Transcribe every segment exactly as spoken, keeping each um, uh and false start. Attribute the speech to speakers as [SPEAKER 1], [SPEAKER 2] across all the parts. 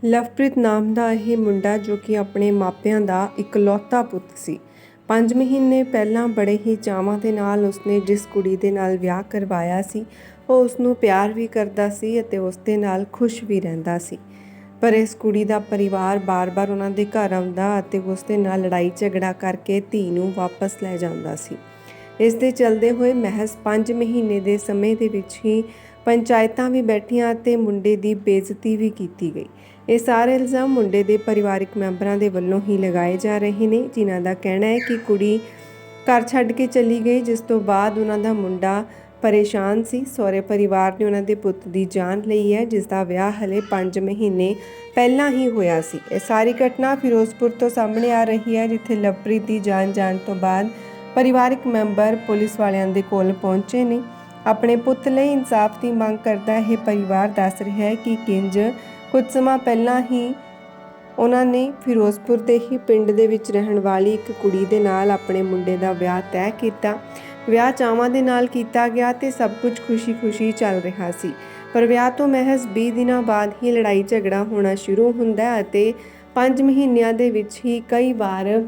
[SPEAKER 1] ਲਵਪ੍ਰੀਤ ਨਾਮ ਦਾ ਇਹ ਮੁੰਡਾ ਜੋ ਕਿ ਆਪਣੇ ਮਾਪਿਆਂ ਦਾ ਇਕਲੌਤਾ ਪੁੱਤ ਸੀ। ਪੰਜ ਮਹੀਨੇ ਪਹਿਲਾਂ ਬੜੇ ਹੀ ਚਾਵਾਂ ਦੇ ਨਾਲ ਉਸਨੇ ਜਿਸ ਕੁੜੀ ਦੇ ਨਾਲ ਵਿਆਹ ਕਰਵਾਇਆ ਸੀ ਉਹ ਉਸ ਨੂੰ ਪਿਆਰ ਵੀ ਕਰਦਾ ਸੀ ਅਤੇ ਉਸ ਦੇ ਨਾਲ ਖੁਸ਼ ਵੀ ਰਹਿੰਦਾ ਸੀ। ਪਰ ਇਸ ਕੁੜੀ ਦਾ ਪਰਿਵਾਰ ਬਾਰ-ਬਾਰ ਉਹਨਾਂ ਦੇ ਘਰ ਆਉਂਦਾ ਅਤੇ ਉਸ ਦੇ ਨਾਲ ਲੜਾਈ ਝਗੜਾ ਕਰਕੇ ਧੀ ਨੂੰ ਵਾਪਸ ਲੈ ਜਾਂਦਾ ਸੀ। ਇਸ ਦੇ ਚੱਲਦੇ ਹੋਏ ਮਹਿਜ਼ ਪੰਜ ਮਹੀਨੇ ਦੇ ਸਮੇਂ ਦੇ ਵਿੱਚ ਹੀ ਪੰਚਾਇਤਾਂ ਵੀ ਬੈਠੀਆਂ ਅਤੇ ਮੁੰਡੇ ਦੀ ਬੇਇੱਜ਼ਤੀ ਵੀ ਕੀਤੀ ਗਈ। ਇਹ ਸਾਰੇ ਇਲਜ਼ਾਮ ਮੁੰਡੇ ਦੇ ਪਰਿਵਾਰਕ ਮੈਂਬਰਾਂ ਦੇ ਵੱਲੋਂ ਹੀ ਲਗਾਏ ਜਾ ਰਹੇ ਨੇ, ਜਿਨ੍ਹਾਂ ਦਾ ਕਹਿਣਾ ਹੈ ਕਿ ਕੁੜੀ ਘਰ ਛੱਡ ਕੇ ਚਲੀ ਗਈ, ਜਿਸ ਤੋਂ ਬਾਅਦ ਉਹਨਾਂ ਦਾ ਮੁੰਡਾ ਪਰੇਸ਼ਾਨ ਸੀ। ਸਹੁਰੇ ਪਰਿਵਾਰ ਨੇ ਉਹਨਾਂ ਦੇ ਪੁੱਤ ਦੀ ਜਾਨ ਲਈ ਹੈ, ਜਿਸ ਦਾ ਵਿਆਹ ਹਲੇ ਪੰਜ ਮਹੀਨੇ ਪਹਿਲਾਂ ਹੀ ਹੋਇਆ ਸੀ। ਇਹ ਸਾਰੀ ਘਟਨਾ ਫਿਰੋਜ਼ਪੁਰ ਤੋਂ ਸਾਹਮਣੇ ਆ ਰਹੀ ਹੈ, ਜਿੱਥੇ ਲਵਪ੍ਰੀਤ ਦੀ ਜਾਨ ਜਾਣ ਤੋਂ ਬਾਅਦ ਪਰਿਵਾਰਕ ਮੈਂਬਰ ਪੁਲਿਸ ਵਾਲਿਆਂ ਦੇ ਕੋਲ ਪਹੁੰਚੇ ਨੇ। ਆਪਣੇ ਪੁੱਤ ਲਈ ਇਨਸਾਫ ਦੀ ਮੰਗ ਕਰਦਾ ਇਹ ਪਰਿਵਾਰ ਦੱਸ ਰਿਹਾ ਹੈ ਕਿ ਕਿੰਜ ਕੁਝ ਸਮਾਂ ਪਹਿਲਾਂ ਹੀ ਉਹਨਾਂ ਨੇ ਫਿਰੋਜ਼ਪੁਰ ਦੇ ਹੀ ਪਿੰਡ ਦੇ ਵਿੱਚ ਰਹਿਣ ਵਾਲੀ ਇੱਕ ਕੁੜੀ ਦੇ ਨਾਲ ਆਪਣੇ ਮੁੰਡੇ ਦਾ ਵਿਆਹ ਤੈਅ ਕੀਤਾ। ਵਿਆਹ ਚਾਵਾਂ ਦੇ ਨਾਲ ਕੀਤਾ ਗਿਆ ਤੇ ਸਭ ਕੁਝ ਖੁਸ਼ੀ-ਖੁਸ਼ੀ ਚੱਲ ਰਿਹਾ ਸੀ। ਪਰ ਵਿਆਹ ਤੋਂ ਮਹਿਜ਼ ਵੀਹ ਦਿਨਾਂ ਬਾਅਦ ਹੀ ਲੜਾਈ ਝਗੜਾ ਹੋਣਾ ਸ਼ੁਰੂ ਹੁੰਦਾ ਅਤੇ ਪੰਜ ਮਹੀਨਿਆਂ ਦੇ ਵਿੱਚ ਹੀ ਕਈ ਵਾਰ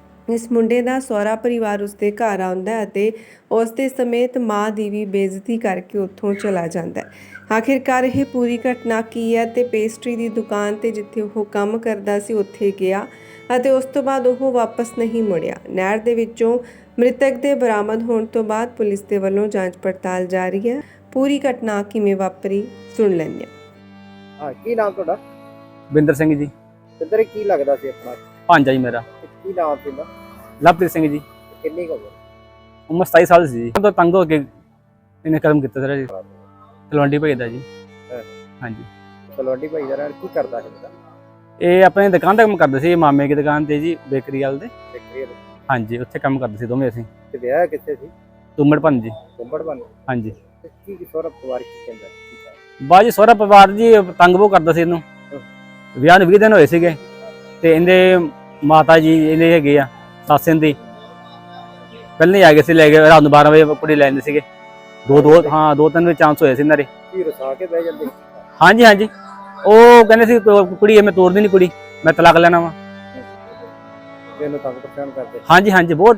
[SPEAKER 1] ਇਸ ਮੁੰਡੇ ਦਾ ਸਹੁਰਾ ਪਰਿਵਾਰ ਉਸਦੇ ਘਰ ਆਉਂਦਾ ਅਤੇ ਉਸ ਦੇ ਸਮੇਤ ਮਾਂ ਦੀ ਵੀ ਬੇਇੱਜ਼ਤੀ ਕਰਕੇ ਉੱਥੋਂ ਚਲਾ ਜਾਂਦਾ। ਆਖਿਰਕਾਰ ਇਹ ਪੂਰੀ ਘਟਨਾ ਕੀ ਹੈ ਤੇ ਪੇਸਟਰੀ ਦੀ ਦੁਕਾਨ ਤੇ ਜਿੱਥੇ ਉਹ ਕੰਮ ਕਰਦਾ ਸੀ ਉੱਥੇ ਗਿਆ ਅਤੇ ਉਸ ਤੋਂ ਬਾਅਦ ਉਹ ਵਾਪਸ ਨਹੀਂ ਮੁੜਿਆ। ਨਹਿਰ ਦੇ ਵਿੱਚੋਂ ਮ੍ਰਿਤਕ ਦੇ ਬਰਾਮਦ ਹੋਣ ਤੋਂ ਬਾਅਦ ਪੁਲਿਸ ਦੇ ਵੱਲੋਂ ਜਾਂਚ ਪੜਤਾਲ ਜਾਰੀ ਹੈ। ਪੂਰੀ ਘਟਨਾ ਕਿਵੇਂ ਵਾਪਰੀ ਸੁਣ ਲੈਂਦੇ ਹਾਂ।
[SPEAKER 2] ਹਾਂ, ਕੀ ਨਾਮ ਤੁਹਾਡਾ?
[SPEAKER 3] ਬਿੰਦਰ ਸਿੰਘ ਜੀ।
[SPEAKER 2] ਬਿੰਦਰ, ਕੀ ਲੱਗਦਾ ਸੀ ਆਪਣਾ?
[SPEAKER 3] ਭਾਂਜਾ ਜੀ ਮੇਰਾ।
[SPEAKER 2] ਕੀ ਨਾਮ ਸੀ ਉਹਦਾ?
[SPEAKER 3] ਲਵਪ੍ਰੀਤ ਸਿੰਘ ਜੀ।
[SPEAKER 2] ਕਿੰਨੀ ਕੁ ਉਮਰ?
[SPEAKER 3] ਉਮਰ ਸਤਾਈ ਸਾਲ ਸੀ ਜੀ। ਤਾਂ ਤੰਗ ਹੋ ਕੇ ਇਹਨੇ ਕਰਮ ਕੀਤਾ ਸਰ ਜੀ। ਤਲਵੰਡੀ ਭਾਈ ਦਾ ਜੀ। ਹਾਂਜੀ,
[SPEAKER 2] ਤਲਵੰਡੀ ਭਾਈ ਦਾ ਕੀ ਕਰਦਾ ਹੈ?
[SPEAKER 3] ਇਹ ਆਪਣੇ ਦੁਕਾਨ ਤੇ ਕੰਮ ਕਰਦੇ ਸੀ, ਮਾਮੇ ਦੀ ਦੁਕਾਨ ਤੇ ਜੀ, ਬੇਕਰੀ ਵਾਲ ਦੇ।
[SPEAKER 2] ਬੇਕਰੀ?
[SPEAKER 3] ਹਾਂਜੀ, ਉੱਥੇ ਕੰਮ ਕਰਦੇ ਸੀ ਦੋਵੇਂ ਅਸੀਂ।
[SPEAKER 2] ਤੇ ਵਿਆਹ ਕਿੱਥੇ ਸੀ?
[SPEAKER 3] ਤੁੰਬੜ ਭੰਨ ਜੀ।
[SPEAKER 2] ਤੁੰਬੜ ਭੰਨ?
[SPEAKER 3] ਹਾਂਜੀ।
[SPEAKER 2] ਕੀ ਕੀ ਸਹੁਰਾ ਪਰਿਵਾਰ ਕੀ ਕਹਿੰਦਾ?
[SPEAKER 3] ਬਾਜੀ ਸਹੁਰਾ ਪਰਿਵਾਰ ਜੀ ਤੰਗ ਬਹੁਤ ਕਰਦਾ ਸੀ ਇਹਨੂੰ। ਵਿਆਹ ਨੂੰ ਵੀਹ ਦਿਨ ਹੋਏ ਸੀਗੇ ਤੇ ਇਹਦੇ ਮਾਤਾ ਜੀ ਇਹਦੇ ਹੈਗੇ ਆ ਸੱਸ ਦੀ ਪਹਿਲਾਂ ਹੀ ਆ ਗਏ ਸੀ, ਲੈ ਗਏ ਰਾਤ ਨੂੰ ਬਾਰਾਂ ਵਜੇ ਕੁੜੀ ਲੈ ਜਾਂਦੇ ਸੀਗੇ। ਦੋ ਦੋ ਹਾਂ ਦੋ ਤਿੰਨ ਵਜੇ ਚਾਂਸ ਹੋਏ ਸੀ ਇਹਨਾਂ ਦੇ।
[SPEAKER 2] ਕੀ ਰਸਾ ਕੇ ਬਹਿ ਜਾਂਦੇ?
[SPEAKER 3] ਹਾਂਜੀ ਹਾਂਜੀ, ਉਹ ਕਹਿੰਦੇ ਸੀ ਕੁੜੀ ਮੈਂ ਤੋੜਦੀ ਨਹੀਂ, ਕੁੜੀ ਮੈਂ ਤਲਾਕ ਲੈਣਾ ਵਾ।
[SPEAKER 2] ਇਹਨੂੰ ਤੰਗ ਪਰੇਸ਼ਾਨ ਕਰਦੇ?
[SPEAKER 3] ਹਾਂਜੀ ਹਾਂਜੀ, ਬਹੁਤ।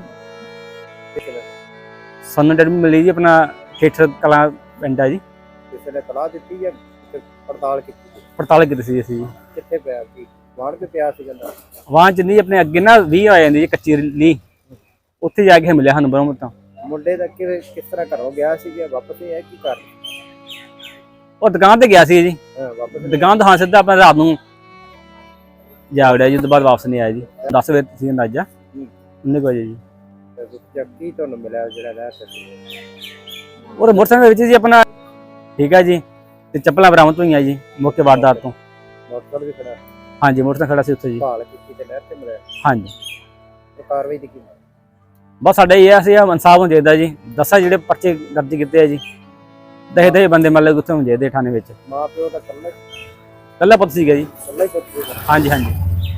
[SPEAKER 3] ਸਾਨੂੰ ਡੈਡ ਮਿਲੀ ਜੀ ਆਪਣਾ ਖੇਤਰ ਕਲਾਂ ਪਿੰਡ ਆ ਜੀ।
[SPEAKER 2] ਕਿਸੇ ਨੇ ਤਲਾਹ ਦਿੱਤੀ ਜਾਂ ਪੜਤਾਲ ਕੀਤੀ?
[SPEAKER 3] ਪੜਤਾਲ ਕੀਤੀ ਸੀ ਅਸੀਂ।
[SPEAKER 2] ਕਿੱਥੇ ਪਿਆ ਸੀ? ਵਾੜ ਕੇ ਪਿਆ ਸੀ ਕਹਿੰਦਾ?
[SPEAKER 3] ਵਾਂ ਚ ਨਹੀਂ, ਆਪਣੇ ਅੱਗੇ ਨਾ ਵੀਹ ਆ ਜਾਂਦੀ ਜੀ ਕੱਚੀ ਲੀ, ਉੱਥੇ ਜਾ ਕੇ ਮਿਲਿਆ ਸਾਨੂੰ ਬਰੋਂ ਤਾਂ।
[SPEAKER 2] ਮੁੰਡੇ ਦਾ ਕਿਵੇਂ ਕਿਸ ਤਰ੍ਹਾਂ ਘਰੋਂ ਗਿਆ ਸੀ ਜਾਂ ਵਾਪਸ ਹੀ ਆਇਆ? ਕੀ ਕਰ
[SPEAKER 3] ਉਹ ਦੁਕਾਨ ਤੇ ਗਿਆ ਸੀ ਜੀ।
[SPEAKER 2] ਵਾਪਸ
[SPEAKER 3] ਦੁਕਾਨ ਤੋਂ ਹਾਂ ਸਿੱਧਾ ਆਪਾਂ ਰਾਤ ਨੂੰ ਜਾ ਵੜਿਆ ਜੀ। ਉਸ ਤੋਂ ਬਾਅਦ ਵਾਪਸ ਨਹੀਂ ਆਇਆ ਜੀ। ਦਸ ਵਜੇ ਸੀ ਅੰਦਾਜ਼ਾ, ਉਨੇ ਕੁ ਵਜੇ ਜੀ।
[SPEAKER 2] ਕੀ ਤੁਹਾਨੂੰ ਮਿਲਿਆ ਜਿਹੜਾ ਰਹਿ ਸੀ?
[SPEAKER 3] ਉਹ ਮੋਟਰਸਾਈਕਲ ਵਿੱਚ ਜੀ ਆਪਣਾ, ਠੀਕ ਹੈ ਜੀ, ਤੇ ਚੱਪਲਾਂ ਬਰਾਮਦ ਹੋਈਆਂ ਜੀ ਮੌਕੇ ਵਾਰਦਾਤ ਤੋਂ।
[SPEAKER 2] ਮੋਟਰਸਾਈਕਲ ਵੀ ਖੜਾ?
[SPEAKER 3] ਹਾਂਜੀ, ਮੋਟਰਸਾਈਕਲ ਖੜਾ ਸੀ ਉੱਥੇ ਜੀ।
[SPEAKER 2] ਭਾਲ ਕੀਤੀ ਤੇ ਨਹਿਰ ਤੇ ਮਿਲਿਆ?
[SPEAKER 3] ਹਾਂਜੀ।
[SPEAKER 2] ਤੇ ਕਾਰਵਾਈ ਦੀ ਕੀ? ਬਸ
[SPEAKER 3] ਸਾਡਾ ਇਹ ਅਸੀਂ ਇਨਸਾਫ ਹੋਣਾ ਚਾਹੀਦਾ ਜੀ। ਦੱਸਾਂ ਜਿਹੜੇ ਪਰਚੇ ਦਰਜ ਕੀਤੇ ਆ ਜੀ, ਦਹੇ ਦਹੇ ਬੰਦੇ ਮਤਲਬ ਉੱਥੇ ਹੋਣੇ ਚਾਹੀਦੇ ਥਾਣੇ ਵਿੱਚ।
[SPEAKER 2] ਮਾਂ ਪਿਓ ਦਾ ਕੱਲਾ
[SPEAKER 3] ਕੱਲਾ ਪੁੱਤ ਸੀਗਾ ਜੀ।
[SPEAKER 2] ਕੱਲਾ ਹੀ ਪੁੱਤ ਸੀਗਾ? ਹਾਂਜੀ
[SPEAKER 3] ਹਾਂਜੀ।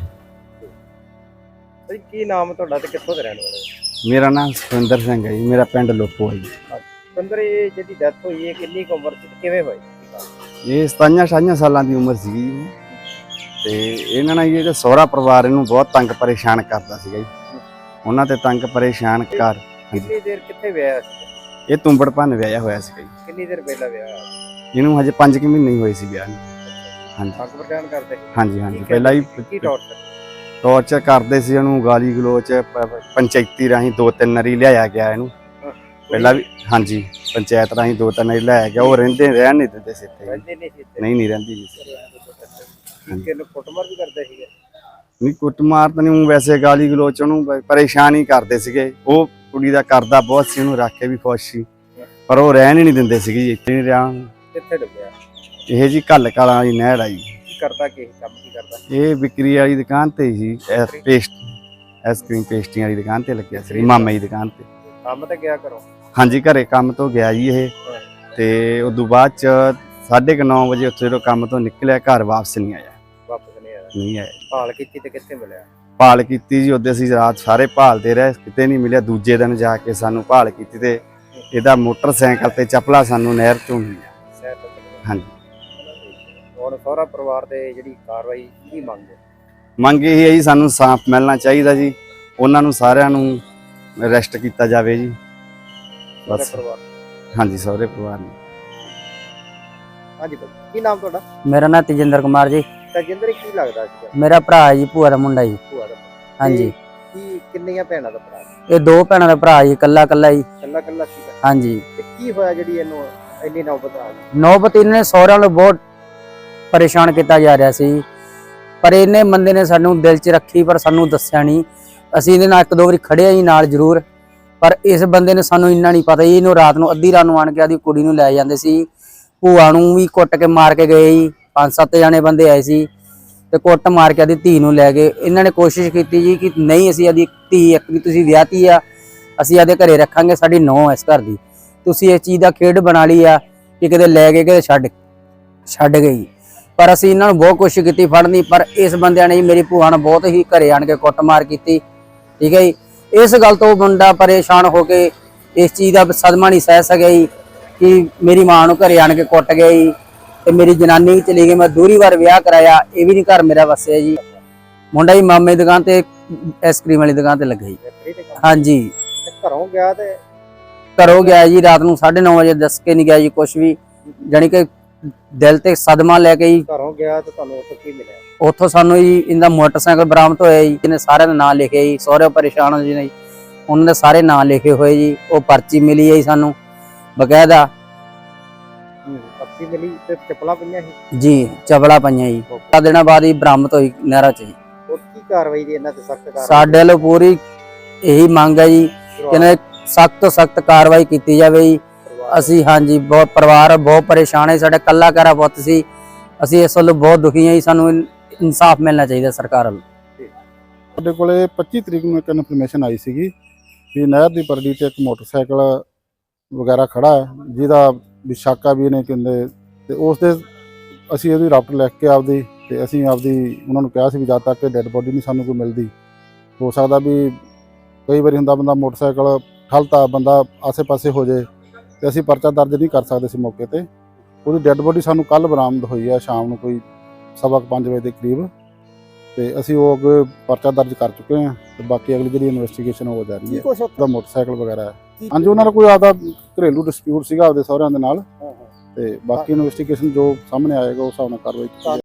[SPEAKER 2] ਕੀ ਨਾਮ ਤੁਹਾਡਾ ਤੇ ਕਿੱਥੋਂ ਦੇ ਰਹਿਣ ਵਾਲੇ?
[SPEAKER 4] ਮੇਰਾ ਨਾਮ ਸੁਖਿੰਦਰ ਸਿੰਘ ਹੈ ਜੀ। ਮੇਰਾ ਪਿੰਡ ਲੋਪੋ ਹੈ ਜੀ।
[SPEAKER 2] ਸੁਖਿੰਦਰ, ਇਹ ਜਿਹੜੀ ਡੈਥ ਹੋਈ ਹੈ ਕਿੰਨੀ ਕੁ ਉਮਰ ਚ ਕਿਵੇਂ ਹੋਈ?
[SPEAKER 4] ਇਹ ਸਤਾਈਆਂ ਅਠਾਈਆਂ ਸਾਲਾਂ ਦੀ ਉਮਰ ਸੀਗੀ ਜੀ। ਤੇ ਇਹਨਾਂ ਨਾਲ ਜਿਹੜਾ ਸਹੁਰਾ ਪਰਿਵਾਰ ਇਹਨੂੰ ਬਹੁਤ ਤੰਗ ਪਰੇਸ਼ਾਨ ਕਰਦਾ ਸੀਗਾ ਜੀ। ਉਹਨਾਂ ਤੇ ਤੰਗ ਪਰੇਸ਼ਾਨ ਕਰ
[SPEAKER 2] ਕਿੰਨੀ ਦੇਰ ਕਿੱਥੇ ਵਿਆਹ ਸੀ?
[SPEAKER 4] ਇਹ ਤੁੰਬੜ ਭੰਨ ਵਿਆਹਿਆ ਹੋਇਆ ਸੀਗਾ ਜੀ।
[SPEAKER 2] ਕਿੰਨੀ ਦੇਰ ਪਹਿਲਾਂ ਵਿਆਹ?
[SPEAKER 4] ਇਹਨੂੰ ਹਜੇ ਪੰਜ ਕੁ ਮਹੀਨੇ ਹੀ ਹੋਏ ਸੀ ਵਿਆਹ ਨੂੰ। ਹਾਂਜੀ
[SPEAKER 2] ਤੰਗ ਪਰੇਸ਼ਾਨ ਕਰਦੇ?
[SPEAKER 4] ਹਾਂਜੀ ਹਾਂਜੀ, ਪਹਿਲਾਂ ਹੀ
[SPEAKER 2] ਕੀ ਟੌਰਚਰ
[SPEAKER 4] ਟੌਰਚਰ ਕਰਦੇ ਸੀ ਉਹਨੂੰ, ਗਾਲੀ ਗਲੋਚ ਪੰਚਾਇਤੀ ਰਾਹੀਂ ਦੋ ਤਿੰਨ ਵਾਰੀ ਲਿਆਇਆ ਗਿਆ ਇਹਨੂੰ ਪਹਿਲਾਂ ਵੀ। ਹਾਂਜੀ, ਪੰਚਾਇਤ ਰਾਹੀਂ ਦੋ ਤਿੰਨ ਵਾਰੀ ਲਿਆਇਆ ਗਿਆ। ਉਹ ਰਹਿੰਦੇ ਰਹਿਣ ਨਹੀਂ ਦਿੰਦੇ ਸੀ ਇੱਥੇ। ਨਹੀਂ ਨਹੀਂ ਰਹਿੰਦੀ ਜੀ।
[SPEAKER 2] ਕਿਹਨੂੰ ਕੁੱਟਮਾਰ ਵੀ ਕਰਦੇ ਸੀਗੇ?
[SPEAKER 4] ਨਹੀਂ, ਕੁੱਟਮਾਰ ਤਾਂ ਨਹੀਂ, ਵੈਸੇ ਗਾਲੀ ਗਲੋਚ ਉਹਨੂੰ ਪਰੇਸ਼ਾਨ ਹੀ ਕਰਦੇ ਸੀਗੇ। ਉਹ ਕੁੜੀ ਦਾ ਕਰਦਾ ਬਹੁਤ ਸੀ, ਉਹਨੂੰ ਰੱਖ ਕੇ ਵੀ ਖੁਸ਼ ਸੀ, ਪਰ ਉਹ ਰਹਿਣ ਹੀ ਨਹੀਂ ਦਿੰਦੇ ਸੀਗੇ ਜੀ। ਇੱਥੇ ਨਹੀਂ ਰਿਹਾ।
[SPEAKER 2] ਕਿੱਥੇ ਡੁੱਬਿਆ
[SPEAKER 4] ਇਹ ਜੀ ਘੱਲ ਕਾਲਾਂ ਦੀ ਨਹਿਰ ਆਈ।
[SPEAKER 2] ਕੀ ਕਰਦਾ? ਕੀ ਕੰਮ ਕੀ ਕਰਦਾ?
[SPEAKER 4] ਇਹ ਵਿਕਰੀ ਵਾਲੀ ਦੁਕਾਨ ਤੇ ਸੀ, ਪੇਸਟ ਆਈਸਕ੍ਰੀਮ ਪੇਸਟਰੀਆਂ ਵਾਲੀ ਦੁਕਾਨ ਤੇ ਲੱਗਿਆ ਸੀ, ਮਾਮੇ ਦੀ ਦੁਕਾਨ ਤੇ।
[SPEAKER 2] ਕੰਮ ਤੇ ਗਿਆ ਕਰੋ?
[SPEAKER 4] ਹਾਂਜੀ, ਘਰੇ ਕੰਮ ਤੋਂ ਗਿਆ ਜੀ ਇਹ। ਤੇ ਉਦੋਂ ਬਾਅਦ ਚ ਸਾਢੇ ਕੁ ਨੌ ਵਜੇ ਉੱਥੇ ਜਦੋਂ ਕੰਮ ਤੋਂ ਨਿਕਲਿਆ, ਘਰ ਵਾਪਸ ਨਹੀਂ ਆਇਆ।
[SPEAKER 2] ਵਾਪਸ ਨਹੀਂ ਆਇਆ?
[SPEAKER 4] ਨਹੀਂ ਆਇਆ।
[SPEAKER 2] ਭਾਲ ਕੀਤੀ ਤੇ ਕਿੱਥੇ ਮਿਲਿਆ?
[SPEAKER 4] ਭਾਲ ਕੀਤੀ ਜੀ, ਉਹਦੇ ਅਸੀਂ ਰਾਤ ਸਾਰੇ ਭਾਲਦੇ ਰਹੇ, ਕਿਤੇ ਨਹੀਂ ਮਿਲਿਆ। ਦੂਜੇ ਦਿਨ ਜਾ ਕੇ ਸਾਨੂੰ ਭਾਲ ਕੀਤੀ ਤੇ ਇਹਦਾ ਮੋਟਰਸਾਈਕਲ ਤੇ ਚੱਪਲਾ ਸਾਨੂੰ ਨਹਿਰ ਚੋਂ ਮਿਲਿਆ। ਹਾਂਜੀ।
[SPEAKER 2] ਹੁਣ ਸਹੁਰਾ ਪਰਿਵਾਰ ਦੇ ਜਿਹੜੀ ਕਾਰਵਾਈ ਕੀ ਮੰਗਦੇ?
[SPEAKER 4] ਮੰਗ ਇਹ ਹੈ ਜੀ, ਸਾਨੂੰ ਸਾਫ਼ ਮਿਲਣਾ ਚਾਹੀਦਾ ਜੀ, ਉਹਨਾਂ ਨੂੰ ਸਾਰਿਆਂ ਨੂੰ ਅਰੈਸਟ ਕੀਤਾ ਜਾਵੇ ਜੀ
[SPEAKER 2] ਸਹੁਰੇ
[SPEAKER 4] ਬਸ।
[SPEAKER 2] ਪਰਿਵਾਰ।
[SPEAKER 4] ਹਾਂਜੀ ਸਹੁਰੇ ਪਰਿਵਾਰ ਨੂੰ।
[SPEAKER 2] ਹਾਂਜੀ ਭਾਈ, ਕੀ ਨਾਮ ਤੁਹਾਡਾ?
[SPEAKER 5] ਮੇਰਾ ਨਾਮ ਤੇਜਿੰਦਰ ਕੁਮਾਰ ਜੀ।
[SPEAKER 2] ਤਜਿੰਦਰ ਕੀ ਲੱਗਦਾ ਸੀਗਾ?
[SPEAKER 5] ਮੇਰਾ ਭਰਾ ਹੈ ਜੀ, ਭੂਆ ਦਾ ਮੁੰਡਾ ਜੀ।
[SPEAKER 2] ਭੂਆ ਦਾ?
[SPEAKER 5] ਹਾਂਜੀ।
[SPEAKER 2] ਕੀ ਕਿੰਨੀਆਂ ਭੈਣਾਂ ਦਾ ਭਰਾ?
[SPEAKER 5] ਇਹ ਦੋ ਭੈਣਾਂ ਦਾ ਭਰਾ ਜੀ, ਇਕੱਲਾ ਇਕੱਲਾ ਜੀ।
[SPEAKER 2] ਕੱਲਾ ਕੱਲਾ ਸੀਗਾ?
[SPEAKER 5] ਹਾਂਜੀ।
[SPEAKER 2] ਤੇ ਕੀ ਹੋਇਆ ਜਿਹੜੀ ਇਹਨੂੰ ਇੰਨੀ ਨੌਬਤ ਆ ਗਈ?
[SPEAKER 5] ਨੌਬਤ ਇਹਨੇ ਸਹੁਰਿਆਂ ਨੂੰ ਬਹੁਤ ਪਰੇਸ਼ਾਨ ਕੀਤਾ ਜਾ ਰਿਹਾ ਸੀ, ਪਰ ਇਹਨੇ ਬੰਦੇ ਨੇ ਸਾਨੂੰ ਦਿਲ 'ਚ ਰੱਖੀ, ਪਰ ਸਾਨੂੰ ਦੱਸਿਆ ਨਹੀਂ। ਅਸੀਂ ਇਹਦੇ ਨਾਲ ਇੱਕ ਦੋ ਵਾਰੀ ਖੜੇ ਆ ਜੀ ਨਾਲ ਜ਼ਰੂਰ, ਪਰ ਇਸ ਬੰਦੇ ਨੇ ਸਾਨੂੰ ਇੰਨਾ ਨਹੀਂ ਪਤਾ ਜੀ। ਇਹਨੂੰ ਰਾਤ ਨੂੰ ਅੱਧੀ ਰਾਤ ਨੂੰ ਆਣ ਕੇ ਆਦੀ ਕੁੜੀ ਨੂੰ ਲੈ ਜਾਂਦੇ ਸੀ, ਭੂਆ ਨੂੰ ਵੀ ਕੁੱਟ ਕੇ ਮਾਰ ਕੇ ਗਏ ਜੀ। ਪੰਜ ਸੱਤ ਜਾਣੇ ਬੰਦੇ ਆਏ ਸੀ ਤੇ ਕੁੱਟ ਮਾਰ ਕੇ ਆਦੀ ਧੀ ਨੂੰ ਲੈ ਗਏ। ਇਹਨਾਂ ਨੇ ਕੋਸ਼ਿਸ਼ ਕੀਤੀ ਜੀ ਕਿ ਨਹੀਂ, ਅਸੀਂ ਆਦੀ ਧੀ ਇੱਕ ਵੀ ਤੁਸੀਂ ਵਿਆਹਤੀ ਆ, ਅਸੀਂ ਆਦੇ ਘਰੇ ਰੱਖਾਂਗੇ, ਸਾਡੀ ਨੌਂ ਇਸ ਘਰ ਦੀ। ਤੁਸੀਂ ਇਸ ਚੀਜ਼ ਦਾ ਖੇਡ ਬਣਾ ਲਈ ਆ ਕਿ ਕਿਤੇ ਲੈ ਕੇ ਕਿਤੇ ਛੱਡ ਛੱਡ ਗਈ। ਪਰ ਅਸੀਂ ਇਹਨਾਂ ਨੂੰ ਬਹੁਤ ਕੋਸ਼ਿਸ਼ ਕੀਤੀ ਫੜਨ ਦੀ, ਪਰ ਇਸ ਬੰਦਿਆਂ ਨੇ ਜੀ ਮੇਰੀ ਭੂਆ ਨੂੰ ਬਹੁਤ ਹੀ ਘਰੇ ਆਣ ਕੇ ਕੁੱਟਮਾਰ ਕੀਤੀ। ਠੀਕ ਹੈ ਜੀ। ਇਸ ਗੱਲ ਤੋਂ ਮੁੰਡਾ ਪਰੇਸ਼ਾਨ ਹੋ ਕੇ ਇਸ ਚੀਜ਼ ਦਾ ਸਦਮਾ ਨਹੀਂ ਸਹਿ ਸਕਿਆ ਜੀ ਕਿ ਮੇਰੀ ਮਾਂ ਨੂੰ ਘਰੇ ਆਣ ਕੇ ਕੁੱਟ ਗਿਆ ਜੀ ਤੇ ਮੇਰੀ ਜਨਾਨੀ ਵੀ ਚਲੀ ਗਈ। ਮੈਂ ਦੂਰੀ ਵਾਰ ਵਿਆਹ ਕਰਾਇਆ, ਇਹ ਵੀ ਨਹੀਂ ਘਰ ਮੇਰਾ ਵਸਿਆ ਜੀ। ਮੁੰਡਾ ਹੀ ਮਾਮੇ ਦੀ ਦੁਕਾਨ ਤੇ ਆਈਸਕ੍ਰੀਮ ਵਾਲੀ ਦੁਕਾਨ ਤੇ ਲੱਗਾ ਜੀ।
[SPEAKER 2] ਫੈਕਟਰੀ ਤੇ ਕੰਮ?
[SPEAKER 5] ਹਾਂਜੀ।
[SPEAKER 2] ਤੇ ਘਰੋਂ ਗਿਆ ਤੇ
[SPEAKER 5] ਘਰੋਂ ਗਿਆ ਜੀ ਰਾਤ ਨੂੰ ਸਾਢੇ ਨੌ ਵਜੇ, ਦੱਸ ਕੇ ਨਹੀਂ ਗਿਆ ਜੀ ਕੁਛ ਵੀ, ਜਾਣੀ ਕਿ ਦਿਲ ਤੇ ਸਦਮਾ ਲੈ ਕੇ ਜੀ।
[SPEAKER 2] ਘਰੋਂ ਗਿਆ ਤੇ ਤੁਹਾਨੂੰ ਉੱਥੇ ਕੀ ਮਿਲਿਆ?
[SPEAKER 5] ਉੱਥੋਂ ਸਾਨੂੰ ਜੀ ਇਹਦਾ ਮੋਟਰਸਾਈਕਲ ਬਰਾਮਦ ਹੋਇਆ ਜੀ, ਇਹਨੇ ਸਾਰਿਆਂ ਦੇ ਨਾਂ ਲਿਖੇ ਜੀ। ਸਹੁਰੇ ਪਰੇਸ਼ਾਨ ਹੋ ਜੀ ਨੇ, ਉਹਨਾਂ ਦੇ ਸਾਰੇ ਨਾਂ ਲਿਖੇ ਹੋਏ ਜੀ। ਉਹ ਪਰਚੀ ਮਿਲੀ ਹੈ ਜੀ ਸਾਨੂੰ ਬਕਾਇਦਾ
[SPEAKER 2] ਪਰਚੀ ਮਿਲੀ ਤੇ ਚੱਪਲਾਂ ਪਈਆਂ ਸੀ
[SPEAKER 5] ਜੀ, ਚਪਲਾ ਪਈਆਂ ਜੀ। ਚਾਰ ਦਿਨਾਂ ਬਾਅਦ ਹੀ ਬਰਾਮਦ ਹੋਈ ਨਹਿਰਾਂ 'ਚ ਜੀ।
[SPEAKER 2] ਉਹ ਕੀ ਕਾਰਵਾਈ ਦੀ ਇਹਨਾਂ ਤੇ ਸਖਤ ਕਾਰਵਾਈ?
[SPEAKER 5] ਸਾਡੇ ਵੱਲੋਂ ਪੂਰੀ ਇਹੀ ਮੰਗ ਹੈ ਜੀ ਕਿ ਇਹਨਾਂ ਦੇ ਸਖਤ ਤੋਂ ਸਖਤ ਕਾਰਵਾਈ ਕੀਤੀ ਜਾਵੇ ਜੀ। ਅਸੀਂ ਹਾਂਜੀ ਬਹੁਤ ਪਰਿਵਾਰ ਬਹੁਤ ਪਰੇਸ਼ਾਨ ਹੈ, ਸਾਡਾ ਕੱਲਾ ਘਰਾ ਪੁੱਤ ਸੀ। ਅਸੀਂ ਇਸ ਵੱਲੋਂ ਬਹੁਤ ਦੁਖੀ ਹਾਂ ਜੀ, ਸਾਨੂੰ ਇਨਸਾਫ ਮਿਲਣਾ ਚਾਹੀਦਾ ਸਰਕਾਰ ਵੱਲੋਂ।
[SPEAKER 6] ਸਾਡੇ ਕੋਲੇ ਪੱਚੀ ਤਰੀਕ ਨੂੰ ਇੱਕ ਇਨਫੋਰਮੇਸ਼ਨ ਆਈ ਸੀਗੀ ਵੀ ਨਹਿਰ ਦੀ ਪਰੜੀ ਤੇ ਇੱਕ ਮੋਟਰਸਾਈਕਲ ਵਗੈਰਾ ਖੜਾ ਹੈ, ਜਿਹਦਾ ਵੀ ਸ਼ੱਕ ਆ ਵੀ ਇਹਨੇ ਕਹਿੰਦੇ, ਤੇ ਉਸ ਦੇ ਅਸੀਂ ਇਹਦੀ ਰਾਪਟ ਲਿਖ ਕੇ ਆਪਦੀ ਤੇ ਅਸੀਂ ਆਪਦੀ ਉਹਨਾਂ ਨੂੰ ਕਿਹਾ ਸੀ ਵੀ ਜਦ ਤੱਕ ਡੈੱਡ ਬੋਡੀ ਨਹੀਂ ਸਾਨੂੰ ਕੋਈ ਮਿਲਦੀ, ਹੋ ਸਕਦਾ ਵੀ ਕਈ ਵਾਰੀ ਹੁੰਦਾ ਬੰਦਾ ਮੋਟਰਸਾਈਕਲ ਠਲਤਾ, ਬੰਦਾ ਆਸੇ-ਪਾਸੇ ਹੋ ਜੇ ਤੇ ਅਸੀਂ ਪਰਚਾ ਦਰਜ ਨਹੀਂ ਕਰ ਸਕਦੇ ਸੀ ਮੌਕੇ ਤੇ। ਉਹਦੀ ਡੈੱਡ ਬੋਡੀ ਸਾਨੂੰ ਕੱਲ ਬਰਾਮਦ ਹੋਈ ਆ ਸ਼ਾਮ ਨੂੰ ਕੋਈ ਸਵਾ ਕੁ ਪੰਜ ਵਜੇ ਦੇ ਕਰੀਬ, ਤੇ ਅਸੀਂ ਉਹ ਅੱਗੇ ਪਰਚਾ ਦਰਜ ਕਰ ਚੁੱਕੇ ਹਾਂ ਤੇ ਬਾਕੀ ਅਗਲੀ ਜਿਹੜੀ ਇਨਵੈਸਟੀਗੇਸ਼ਨ ਹੋ ਜਾ ਰਹੀ ਹੈ।
[SPEAKER 2] ਕੁਛ
[SPEAKER 6] ਉਹਦਾ ਮੋਟਰਸਾਈਕਲ ਵਗੈਰਾ ਹੈ। ਹਾਂਜੀ, ਉਹਨਾਂ ਦਾ ਕੋਈ ਆਪਦਾ ਘਰੇਲੂ ਡਿਸਪਿਊਟ ਸੀਗਾ ਆਪਦੇ ਸਹੁਰਿਆਂ ਦੇ ਨਾਲ, ਤੇ ਬਾਕੀ ਇਨਵੈਸਟੀਗੇਸ਼ਨ ਜੋ ਸਾਹਮਣੇ ਆਏਗਾ ਉਸ ਹਿਸਾਬ ਨਾਲ ਕਾਰਵਾਈ ਕੀਤੀ ਜਾਏਗੀ।